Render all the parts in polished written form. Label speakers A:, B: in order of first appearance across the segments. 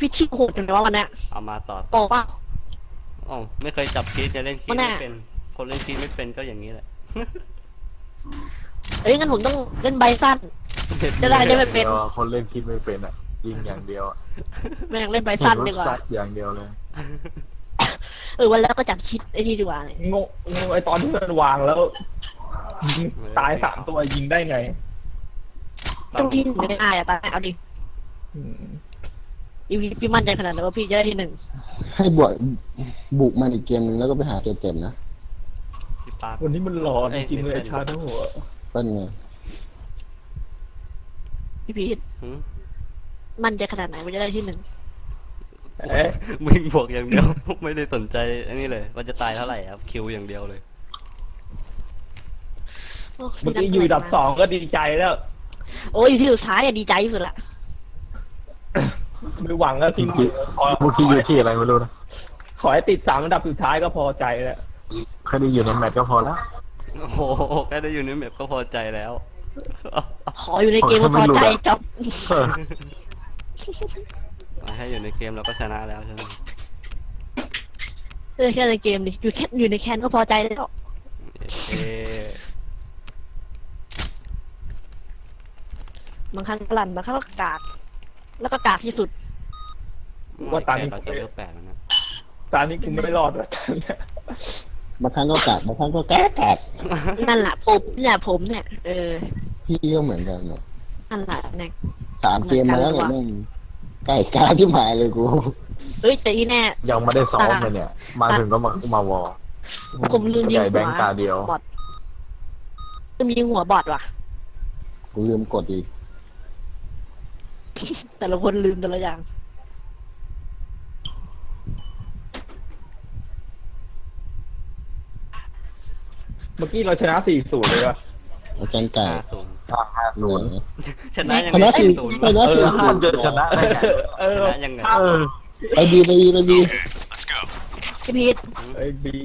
A: พี่ชิโหดจังเลยว่าวันเนี้ย
B: เอามาต่อ
A: โปป่ะ
B: อ๋อไม่เคยจับคีย์จะเล่นคีย์
A: มัน
B: ไม่
A: น่ะ
B: เป็นคนเล่นคีย์ไม่เป็นก็อย่างนี้แหละ
A: เอ้ยงั้นผมต้องเล่นใบสั้น จะได้ไม่เป็น
C: คนเล่นคิดไม่เป็นอ่ะยิงอย่างเดียวอะ
A: ไม่อยากเล่นใบสั้นดีกว่า
C: ซัดอย่างเดียวเลย
A: วันแล้วก็จับชิดไอ้นี่ดีกว่าเนี่ย
D: งงไอตอนที่มันวางแล้วตาย3 ตัวยิงได้ไง
A: ต้องที่ไม่ได้อะตายเอาดิ
D: อืม
A: พี่มั่นใจขนาดนั้นว่าพี่จะได้ที่ 1
E: ให้บุกมันอีกเกมนึงแล้วก็ไปหาตัวเต็มนะ
B: พี่ปาร์ค
D: วันนี้มันหลอนจริงๆเลยชาทั้งหัว
E: เปิ้ลไง
A: พี่พีท
B: หืม
A: มั่นใจขนาดไหนว่าจะได้ที่ 1
D: เอ๊ะ
B: วิ่งบวกอย่างเดียว ไม่ได้สนใจอันนี้เลยว่าจะตายเท่าไหร่ครับคิวอย่างเดียวเลย
D: เมื่อกี้อยู่อันดับ 2ก็ดีใจแล้ว
A: โอ้ยอยู่ที่สุดท้ายอะดีใจที่สุดละ
D: ไม่หวังแล้วทีมขอ
C: เมื่อกี้อยู่ที่อะไรไม่รู้นะ
D: ขอให้ติด3 อันดับสุดท้ายก็พอใจแล้ว
C: แค่ได้อยู่ในแมตช์ก็พอแล้ว
B: โอ้โหแค่ได้อยู่ในแมปก็พอใจแล้ว
A: ขออยู่ในเกมก็พอใจจบ
B: มาให้อยู่ในเกมเราก็ชนะแล้วใช่ไหม
A: แค่ในเกมดิอยู่ในแคนก็พอใจแล้ว
B: เอ๊ะ
A: บางครั้งก็ลั่นบางครั้งก็กากแล้วก็กากที่สุด
D: ว่าตอนนี้
B: เราจะเลือก8แล้วนะ
D: ตอนนี้กูไม่รอดแล้วตอนเนี้ย
E: บางครั้งก็กัดบางครั้งก็แก๊ก
A: นั่นแหละผมเนี่ย
E: พี่ก็เหมือนกันเนี่ย
A: นั่นแหละเนี่ย
E: 3 เกมมาแล้วเนี่ยแม่งไก่กาที่หมายเลยกู
A: เอ้ยแต่ที่แน่
C: ยังไม่ได้ซ้อมเลยเนี่ย มาถึงก็มาวอล
A: ผมลืมยิง
C: ใหญ่
A: หั
C: แบ
A: ว
C: งค์ตาเดียว
A: บอทลืมยิงหัวบอทว่ะ
E: กูลืมกดอีก
A: แต่ละคนลืมแต่ละอย่าง
D: เมื่อกี้เราชนะ 4-0 เลยว่ะ
E: อาจารย์ไก่
B: 5-0
E: หน่วย
B: ชนะยัง
E: ช
B: ไง
E: นะสี่
B: 4-0
E: ชนะ
C: มันจะชนะได้ไง
B: ชนะยังไง
E: ไปดีไปดีไปดี
A: พี่พีท
D: ไอ้บี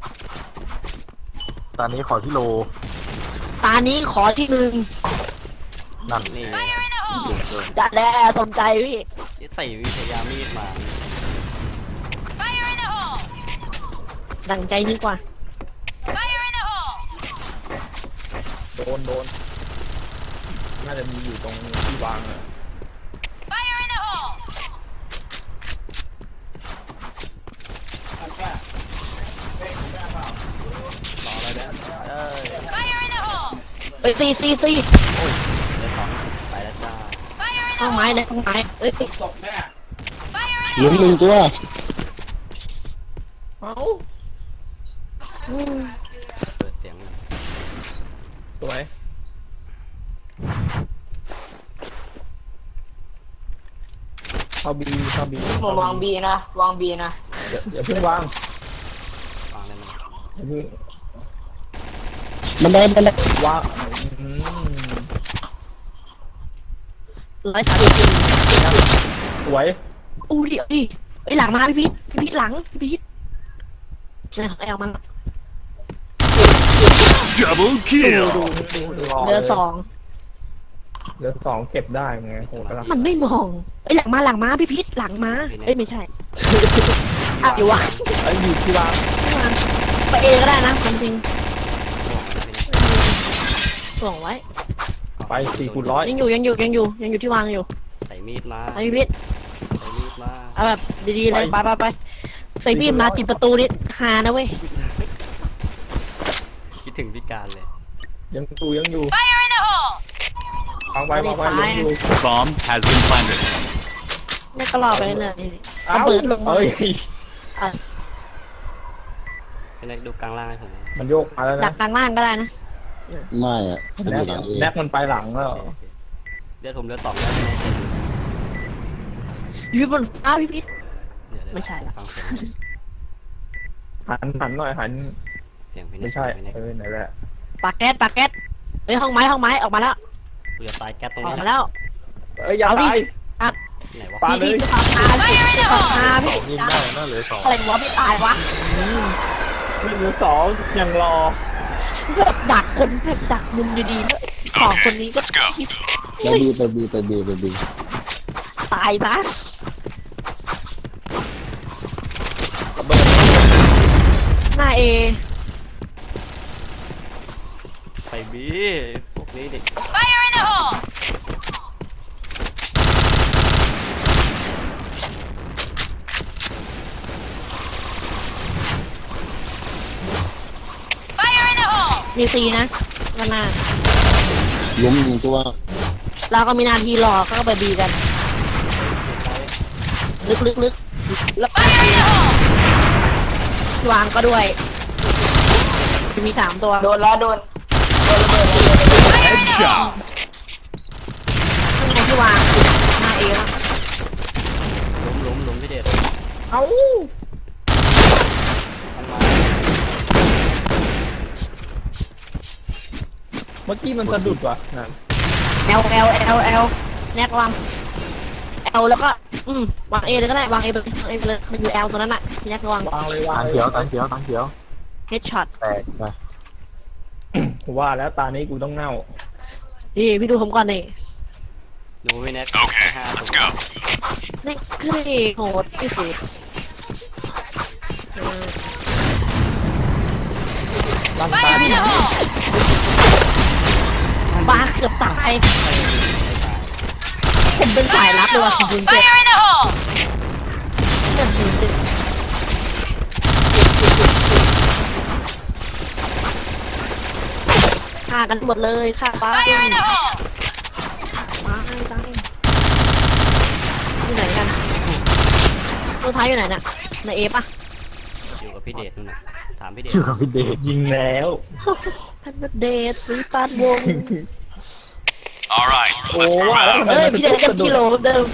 C: ตอนนี้ขอที่โล
A: ตานี้ขอที่
C: นั่น
B: นี่
A: 1จัดแล้วสมใจพี่
B: ใส่วิทยามีดมา
A: ดังใจนี่กว่า
D: โดนน่าจะมีอยู่ตรงที่วางอะ
A: เอ้ยซี
B: เดี๋ยว2ไปแล้วจ้า
A: ข้างไม้เลยข้างไม้เอ้ย
E: เหลือ1 ตัว
D: เอ้า
B: เปิดเสียงเลย
D: สวยเข้าบี
F: ผมวางบีนะวางบีนะ
D: อย่าเพิ่งวาง
B: ฟังได้ไหม
D: อย่าเพิ่ง
E: มันได้
D: วาง
A: 130
D: สวย
A: อู้ดิเอาดิไอ้ยหลังมาพี่พีทหลังพี่พีทเนี่ยไอ้เอามัน
G: Double kill.
A: เหลือ
D: เหลือ 2เก็บได้ไงโหดแล้ว
A: 2มันไม่มองไอ้ยหลังมาพี่พีทหลังมาเอ้ยไม่ใช่อ่ะอยู่วะ
D: ไอ้อยู่ที่วาง
A: ไปเองก็ได้นะความจริง
B: ห่วงนะพี่นะ
A: ส่งไว้
D: ไป4-100
A: ยังอยู่ที่วางอยู่
B: ใส่มีดมา
A: ไอ้พี่พีท
B: ใส่มีดมา
A: เอาแบบดีๆเลยไปใส่มีดมาติดประตูนี่ฮานะเว้ย
B: คิดถึงพิการเลย
D: ยังอยู่วางไว้ยังอยู่
G: Bomb has been planted.
A: นี่ก็รอไปเลย
D: เอ้า
A: ระเบิดลงมา
D: เอ้ย
B: พี่นักดูกลางล่างให้ผมหน่อย
D: มันโยกมาแล้ว
A: ดั
D: นะ
A: กกลางล่างก็ได้นะ
E: ไม่อะมันอยู่หลังเอง
D: แน็กมันไปหลังแล้ว
B: โอเคเดี๋ยวผมเหลือ2แล้ว
A: อยู่บนฟ้าพี่พีท
B: เดี๋ยว
A: ไม่ใช่ละ
B: ฟังเสียง
D: หันหน่อยหัน
B: เสียงพี่นั
D: ไม่
B: ก
D: ใช่
B: พี่นัก
D: ไหนแหละ
A: ปากแก๊สเฮ้ยห้องไม้ออกมาแล้ว
B: กูจะตายแก๊สตรง
A: ออก
B: นี้
A: มา
B: แหละ
A: แล้ว
D: เอ้ยอย่า
A: เอาดิ
D: ตาย
B: ไหนวะ
D: ปาเลย
A: พี่ปากพาพี่
C: ยิงได้น่าเหลือ2
A: อะไรวะไม่ตายวะ
D: มีเหลือ2ยังรอ
A: ดักคนแบบดักมุมดีๆแล้วขอคนนี้ก็ชิป
E: ไปบี
A: ตายปะหน้าเอ
B: ไปบีพวกนี้ดิ
F: Fire in the hole! Fire in the hole!
A: มีซีนะกันหน้า
E: ล้มหนึ่งตัว
A: เราก็มีหนาทีรอก็ไปบีกัน ลึกแล้วก็
F: Fire in the hole!
A: วางก็ด้วยมี3ตัว
F: โดนแล้วโดนระเบิด
G: Headshot.
A: ข้างในที่วางหน้าเอแล้ว
B: ล้มพี่เดช
A: เอ้า
B: มันมา
D: เมื่อกี้มันสะดุดว่ะนั่น
A: L แนกวาง L แล้วก็วาง A เลยก็ได้วาง A ไปเลยมันอยู่ L ตัวนั้นน่ะแนกวาง
D: วางเลยวาง
C: ตัง
D: เล
C: เขีย
D: ยว
C: ตังเขียวตังเขียว
A: Headshot
C: แตกไป
D: ว่าแล้วตานี้กูต้องเน่า
A: นี่พี่ดูผมก่อนนี่
B: ดูพี่แน็ก
G: Okay,
B: 5
G: let's
B: ตัว
G: go.
A: นี่คือโหดที่สุด
D: ลั่นตา
F: Fire in the hole!
A: บ้าเกือบตายผมเป็นสายลับเลยว่ะคุณเจ็บ
F: Fire in the hole!
A: ฆ่ากันหมดเลยฆ่าบ้า
F: Fire in the hole!
A: ตายอยู่ไหนกันตัวท้ายอยู่ไหนน่ะในเอป่ะ
B: อยู่กับพี่เดชนู่นน่ะถามพี่เดช
C: ชื่อกับพี่เดช
D: ยิงแล้ว
A: ท่านเดชซื้อตานวง
G: All right,
D: โอ้
G: let's move
D: ว่าแล้ว
G: out.
D: ทำไม
A: เอ้ย
D: มัน
A: พี่เดชเต็มกิโลเดิม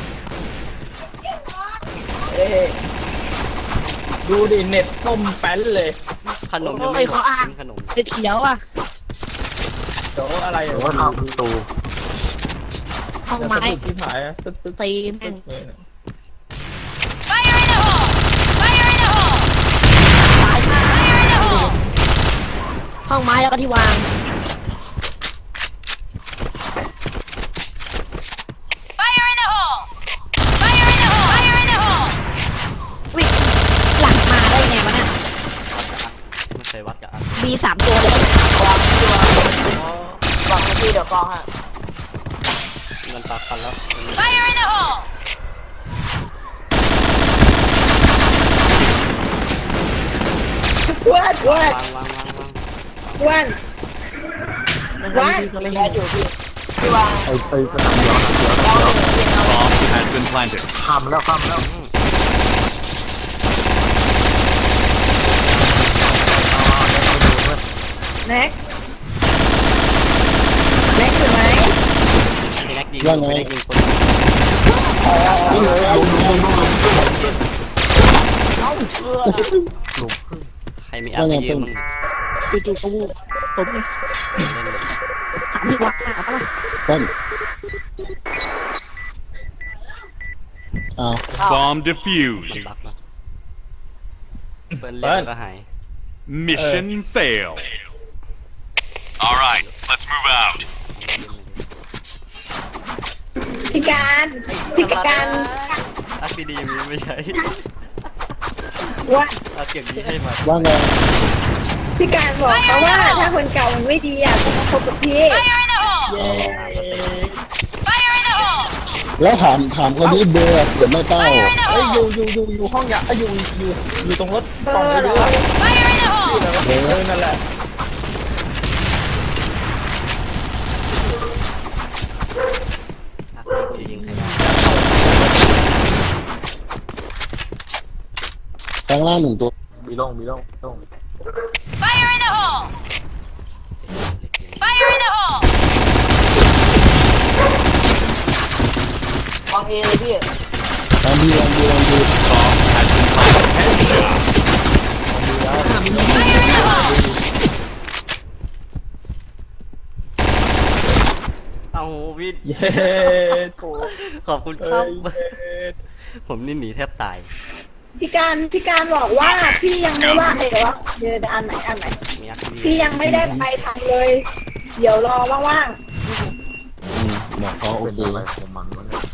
D: ดูดิเน็ตต้มแป้นเลย
B: ขนมยังไม่หมดกินขนม
A: เด็ดเขียวอ่ะ
D: เดี๋ยวอะไร
C: หรือว่าเข้าประตู
A: ห้อง
D: จะ
A: ไม้
D: สะดุดที่ผายอะตึ๊ดตึ๊ด
A: ตีแม่ง
D: เลยนะ
F: Fire in the hole! Fire in the hole!
A: ตายมาก
F: Fire in the hole!
A: ห้องไม้แล้วก็ที่วาง
F: Fire in the hole! Fire in the hole! Fire in the hole!
A: วิ่งหลังมาได้ไงวะเนี่ย
B: ไม่เคยวัดกับอัน
A: มี3ตัวเลย
F: วางที่เดี๋ยวกองฮะ
B: มันตัดกันแล้วมัน
F: Fire in the hole!
A: ว้านว้าน
B: วาง
A: ว้านก็ไม่
F: แก
A: เห็น
F: อยู่ที่วาง
C: ไอ้สนามเดียวสนามเดียว
G: Bomb has been planted.
C: ข้ามแล้วข้ามแล้ว
A: แน็กอยู่ไหม
B: พี่แน็กยิงพี่แน็กยิงคน ใครมีอัพไปยืมมึง
A: จู่ๆก็วูบผมไง
B: เล่นเลย
A: ถามพี่วัดหาปะล่ะ
E: ต้นเอา
G: Bomb
B: มัน
G: defused.
B: บักนะเปิ้ลเล่นก็หาย
G: Mission fail. All right, let's move out.
A: พี่การ
B: อัพดีๆมีไม่ใช่
A: ว่า
B: อัพเก็บดีให้มา
E: ว่าไง
A: พี่การบอกเขาว่าถ้าคนเก่ามันไม่ดีอ่ะต้องมาคบกับพี่
F: Fire in the hole!
D: เย้
F: Fire in the hole!
E: แล้วถามคนที่เบอร์เกิดไม่เต้า
F: Fire in the
D: เอ้ย
F: hole!
D: อยู่ห้องยาอยู่ตรงรถกล่องเยอะ
F: Fire in the hole!
D: นั่นแหละ
B: อัพนี้กูจะยิงใครได้
E: แปลงล่าง1 ตัว
C: มีล่ง
F: Fire in the hole! Fire in the hole! วางเอเลยพี่
E: ลองดี
G: Bomb has been planted. Headshot.
F: Fire in the hole!
B: เอาวิท
D: เย้
B: ขอบคุณค
D: เอ้
B: รับ
D: ยเย้
B: ผมนี่หนีแทบตาย
H: พี่การบอกว่าพี่ยังไม่ว่าเลยวะเดี๋ยวอันไหน
B: มีอัพดี
H: พี่ยังไม่ได้ไปทำเลย เดี๋ยวรอว่าง
E: บอกเขาโอ
C: เป็น
E: เค
C: อะไรของมันวะเนี่ย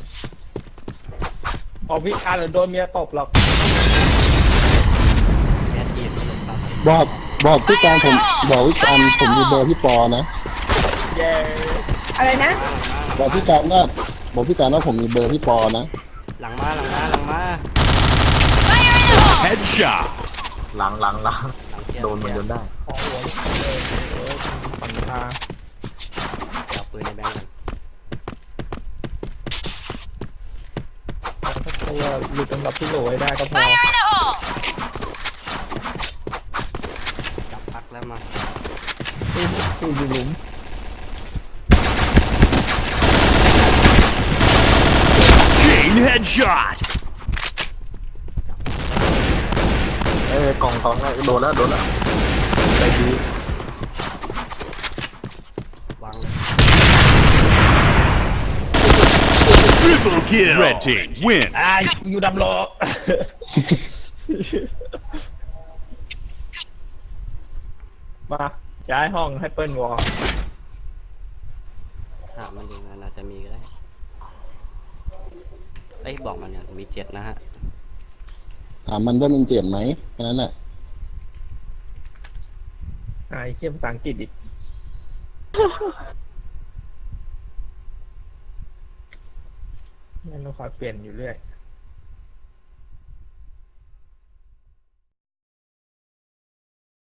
D: บอกพี่การหรือโดนเมียตบหรอก
B: แอดทีมตลกตาม
E: บอกพี่การผมบอกพี่การผมมีเบอร์พี่ปอนะ
D: เย้
H: อะไรนะ
E: บอกพี่การว่าผมมีเบอร์พี่ปอนะ
B: หลังมาหลังมาหลังมา
F: Fire in the hole!
G: Headshot.
C: หลัง
B: หลังเที่ยว
C: โดนมันจนได้
D: ของหัวลูกเลยปัญหา
B: จับปืนในแบงค์กัน
D: ถ้าตัวหลุดสำหรับพี่โหลให้ได้ก็พอ
F: Fire in the hole!
B: จับพักแล้วมา
D: ตู้อยู่หลุม
G: Chain headshot.
C: กล่องโดนแล้วใจดี
B: วางเลย
G: Triple kill. Red team win.
D: อยู่ดำโล มาย้ายห้องให้เปิ้ลวอล
B: ถามมันดูงานอาจจะมีก็ได้เอ้ยบอกมันเนี่ยมี7นะฮะ
E: ถามมันว่ามันเจ็บไหมแค่นั้นแหละ
D: ไอ้เขี้ยภาษาอังกฤษอีกนั่นเราคอยเปลี่ยนอยู่เรื่อย